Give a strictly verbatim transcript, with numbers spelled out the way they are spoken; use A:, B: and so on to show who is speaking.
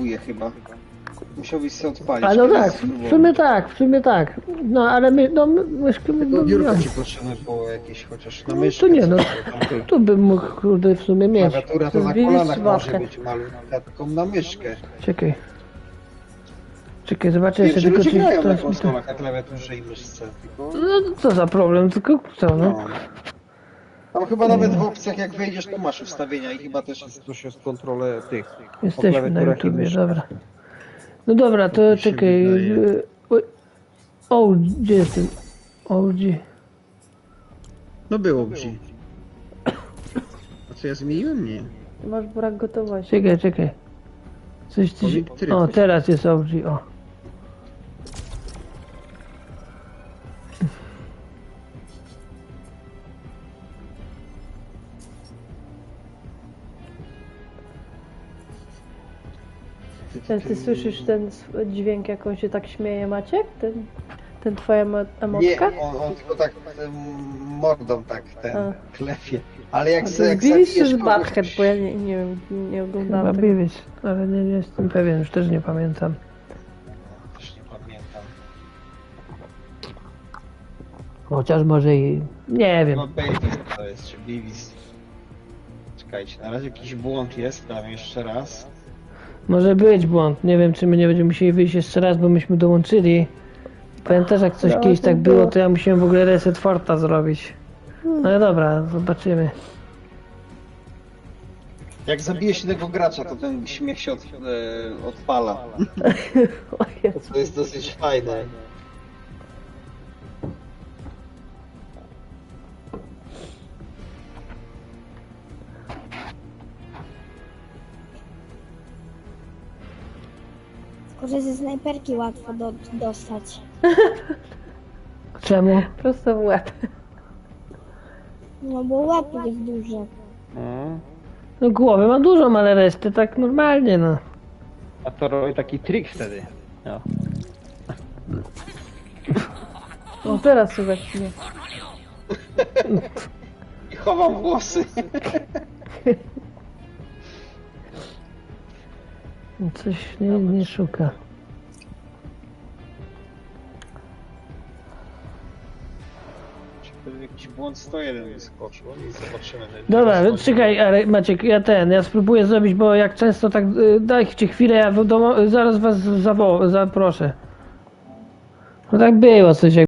A: ładuje chyba. Musiałbyś sobie odpalić.
B: A no
A: kiedyś
B: tak,
A: spróbować.
B: w sumie tak, w sumie tak. No ale my, no my, myszkę
A: Tylko
B: no,
A: biurko
B: no.
A: ci potrzebne było jakieś, chociaż na
B: No
A: myszkę.
B: to nie, no.
A: coś tam ty.
B: Tu bym mógł kurde w sumie mieć.
A: Klawiatura to na
C: Zbili
A: kolanach może
C: sławkę.
A: być malutka, tylko na myszkę.
B: Czekaj. Czekaj, zobaczę
A: Wiem,
B: jeszcze
A: że
B: tylko
A: ludzie
B: czy
A: grają na
B: teraz mi to...
A: konsolach, na klawiaturze i myszce. Tylko...
B: No co za problem, tylko co no.
A: No. Tam chyba nawet w opcjach jak wejdziesz to masz ustawienia i chyba też jest coś z kontrolę tych. o
B: Jesteśmy na
A: klawiaturach i
B: YouTubie,
A: myszkach.
B: dobra. No dobra, to
A: mi się
B: czekaj.
A: wydaje.
B: y, oj. O, gdzie jestem? O, gdzie?
A: No było gdzie. A co ja zmieniłem? Nie.
C: Masz brak gotowości.
B: Czekaj, czekaj. Coś ty się...
A: Powiem,
B: O,
A: tryb.
B: teraz jest O G, o.
C: Czy ty słyszysz ten sw- dźwięk, jak on się tak śmieje, Maciek? Ten, ten twoja emo- emotka?
A: Nie, on, on tylko tak em, mordą tak ten
C: A.
A: klepie. Ale jak
C: A
A: se
C: to
A: jak
C: zbiliście
A: zabijesz
C: z
A: kogoś,
C: Butthead, bo ja nie, nie wiem, nie
B: Chyba
C: oglądałam tego.
B: Beavis, ale nie, nie jestem pewien, już też nie pamiętam.
A: też nie pamiętam.
B: Chociaż może i... Nie wiem.
A: No Baby to jest, czy Beavis. Czekajcie, na razie jakiś błąd jest, dam jeszcze raz.
B: Może być błąd. Nie wiem, czy my nie będziemy musieli wyjść jeszcze raz, bo myśmy dołączyli. Pamiętasz, jak coś
C: No,
B: kiedyś
C: to
B: tak było,
C: było.
B: to ja musiałem w ogóle reset forta zrobić. No ale dobra, zobaczymy.
A: Jak zabijesz jednego gracza, to ten śmiech się od, e, odpala.
C: O Jezu.
A: To jest dosyć fajne.
D: Tylko, że ze snajperki łatwo do, dostać.
B: Czemu?
C: Prosto w łeb.
D: No bo łeb jest duży.
A: No.
B: No głowy ma dużą, ale resztę tak normalnie, no.
A: A to robi taki trik wtedy. No.
C: No teraz słychać mnie.
A: I chowam włosy.
B: Coś nie, nie szuka.
A: Jakiś błąd sto jeden wyskoczył i zobaczymy.
B: Dobra, czekaj, ale Maciek, ja ten, ja spróbuję zrobić, bo jak często tak, y, dajcie chwilę, ja w domu, zaraz was zawo- zaproszę. No tak było coś jak